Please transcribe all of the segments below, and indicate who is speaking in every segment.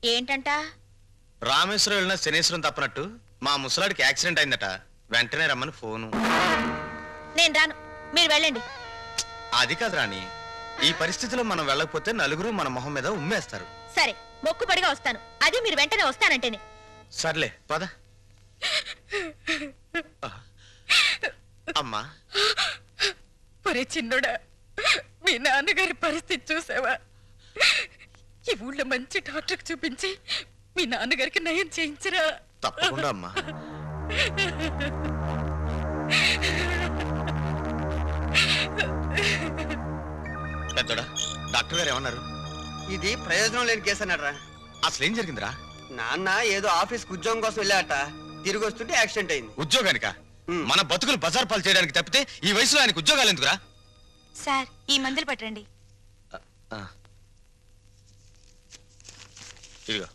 Speaker 1: ఏంటంట?
Speaker 2: రామేశ్వరం వెళ్ళిన శనేశ్వరం తప్పనట్టు మా ముసలాడికి యాక్సిడెంట్ అయిందట. వెంటనే రమ్మని ఫోను.
Speaker 1: నేను రాను, మీరు వెళ్ళండి.
Speaker 2: అది కాదు రాణి, ఈ పరిస్థితిలో మనం వెళ్ళకపోతే నలుగురు మన మొహం మీద ఉమ్మేస్తారు.
Speaker 1: సరే, మొక్కుబడిగా వస్తాను. అది మీరు వెంటనే వస్తానంటేనే.
Speaker 2: సర్లే పద. అమ్మా,
Speaker 3: ఒరే చిన్నోడా, మీ నాన్నగారి పరిస్థితి చూసావా? ఈ ఊళ్ళో మంచి డాక్టర్కి చూపించి మీ నాన్నగారికి నయం చేయించరా?
Speaker 2: తప్పకుండా అమ్మా. పెద్దోడా, డాక్టర్ గారు ఏమన్నారు?
Speaker 4: ఇది ప్రయోజనం లేని కేసు అన్నారా?
Speaker 2: అసలు ఏం జరిగిందిరా?
Speaker 4: నాన్న ఏదో ఆఫీస్కి ఉద్యోగం కోసం వెళ్ళాట, తిరిగి వస్తుంటే యాక్సిడెంట్ అయింది.
Speaker 2: ఉద్యోగానికా? మన బతుకులు బజార్ పాలు చేయడానికి తప్పితే ఈ వయసులో ఆయనకు ఉద్యోగాలు ఎందుకురా?
Speaker 1: సార్, ఈ మందులు పట్టండి.
Speaker 2: ఇదిగో.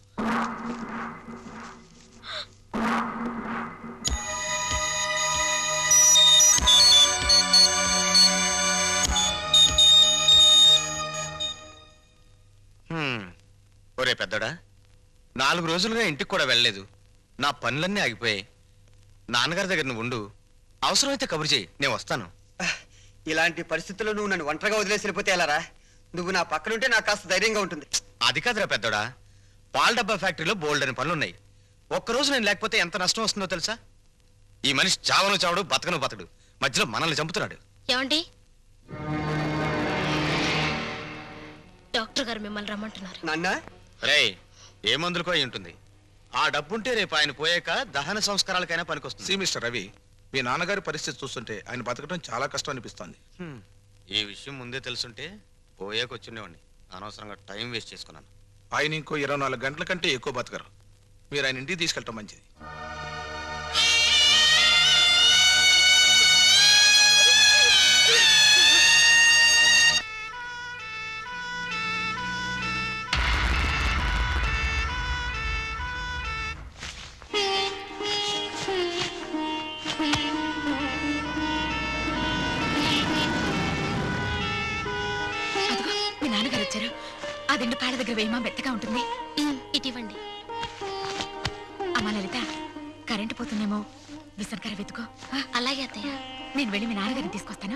Speaker 2: ఒరే పెద్దడా, 4 రోజులుగా ఇంటికి కూడా వెళ్ళలేదు. నా పనులన్నీ ఆగిపోయాయి. నాన్నగారి దగ్గర నువ్వు ఉండు, అవసరమైతే కబురు చేయి, నేను వస్తాను.
Speaker 4: ఇలాంటి పరిస్థితుల్లో నువ్వు నన్ను ఒంటరిగా వదిలేసి వెళ్ళిపోతే ఎలారా? నువ్వు నా పక్కనుంటే నాకు కాస్త ధైర్యంగా ఉంటుంది.
Speaker 2: అది కాదురా పెద్దోడా, పాల డబ్బా ఫ్యాక్టరీలో బోల్డని పనులున్నాయి. ఒక్కరోజు నేను లేకపోతే ఎంత నష్టం వస్తుందో తెలుసా? ఈ మనిషి చావను చావడు, బతకను బతడు, మధ్యలో మనల్ని చంపుతున్నాడు.
Speaker 1: ఏమండి, డాక్టర్ గారు మిమ్మల్ని రమ్మంటున్నారు.
Speaker 4: నాన్న,
Speaker 2: రేయ్, ఏ మందులకో అయి ఉంటుంది. ఆ డబ్బుంటే రేపు ఆయన పోయాక దహన సంస్కారాలకైనా పనికొస్తుంది.
Speaker 5: మిస్టర్ రవి, మీ నాన్నగారి పరిస్థితి చూస్తుంటే ఆయన బతకడం చాలా కష్టం అనిపిస్తోంది.
Speaker 2: ఈ విషయం ముందే తెలుసుంటే పోయాక వచ్చిండేవాడిని. అనవసరంగా టైం వేస్ట్ చేసుకున్నాను.
Speaker 5: ఆయన ఇంకో 24 గంటల కంటే ఎక్కువ బతకరు. మీరు ఆయన ఇంటికి తీసుకెళ్ళటం మంచిది.
Speaker 3: ఆ దిండు కాళ్ళ దగ్గర వేయమా, మెత్తగా ఉంటుంది.
Speaker 1: ఇటివ్వండి.
Speaker 3: అమ్మా లలిత, కరెంటు పోతుందేమో, విసర్కర వెతుకో.
Speaker 1: అలాగే అత్తయ్య.
Speaker 3: నేను వెళ్ళి మీ నాన్నగారిని తీసుకొస్తాను.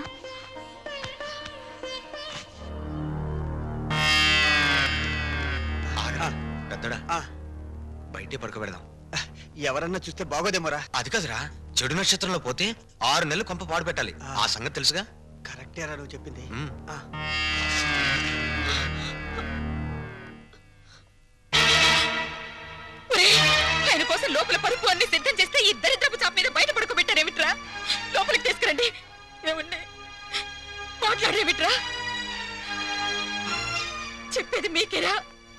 Speaker 2: పెద్దడా, బయటే పడుకోబెడదాం.
Speaker 4: ఎవరన్నా చూస్తే బాగోదేమోరా?
Speaker 2: అది కాదురా, చెడు నక్షత్రంలో పోతే 6 నెలలు కొంప పాడు పెట్టాలి. ఆ సంగతి తెలుసుగా?
Speaker 4: కరెక్టేరా నువ్వు చెప్పింది.
Speaker 3: ఆయన కోసం లోపల పరుపు అన్ని సిద్ధం చేస్తే ఈ దరిద్రపు చాప మీద బయట పడుకోబెట్టారేమిట్రా? లోపలికి తీసుకురండి. ఏమండి, మాట్లాడేమిట్రా? చెప్పేది మీకేరా?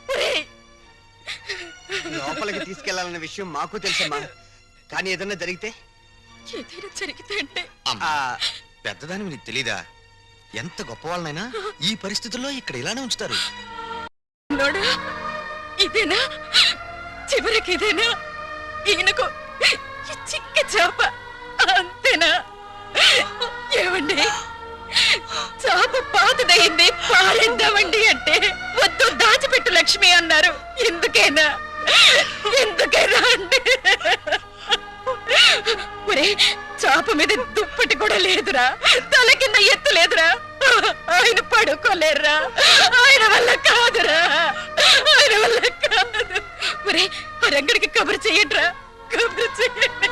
Speaker 4: లోపలికి తీసుకెళ్లాలన్న విషయం మాకు తెలుసమ్మా, కానీ ఏదన్నా జరిగితే?
Speaker 3: ఏదైనా జరిగితే అంటే
Speaker 2: పెద్దదాని నీకు తెలీదా? ఎంత గొప్ప వాళ్ళనైనా ఈ పరిస్థితుల్లో ఇక్కడ ఇలానే ఉంచుతారు.
Speaker 3: ఇదేనా చివరికి? ఇదేనా ఈయనకు చిక్క చాప? అంతేనా? ఏమండి, చాప పాతదయింది, పారేద్దామండి అంటే వద్దు, దాచిపెట్టు లక్ష్మి అన్నారు. ఎందుకైనా అండి? ఒరే, చాప మీద దుప్పటి కూడా లేదురా, తల కింద ఎత్తు లేదురా. ఆయన పడుకోలేరురా, ఆయన వల్ల కాదురా, ఆయన వల్ల కాదు. ఒరే, ఆ రంగడికి కబురు చెయ్యండిరా, కబురు చెయ్యండి.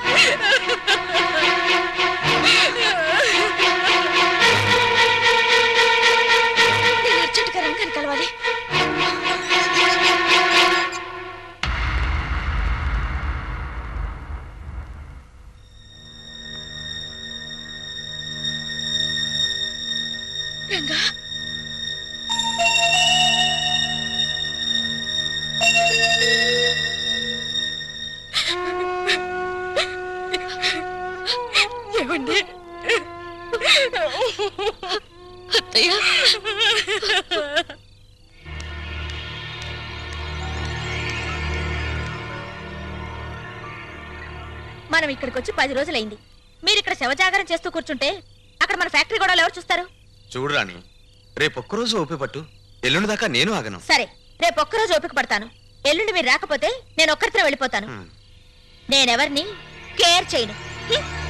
Speaker 1: నేను అర్జెంటుగా రంగాన్ని కలవాలి. రంగా,
Speaker 3: ఏమండి?
Speaker 1: అత్తయ్య, మనం ఇక్కడికి వచ్చి 10 రోజులైంది. మీరు ఇక్కడ శవజాగరం చేస్తూ కూర్చుంటే అక్కడ మన ఫ్యాక్టరీ కూడా ఎవరు చూస్తారు?
Speaker 2: చూడు రాణి, రేపొక్కరోజు ఓపిక పట్టు, ఎల్లుండి దాకా నేను ఆగను.
Speaker 1: సరే, రేపు ఒక్కరోజు ఓపిక పడతాను. ఎల్లుండి మీరు రాకపోతే నేను ఒక్కరితో వెళ్ళిపోతాను. నేనెవరిని కేర్ చేయను.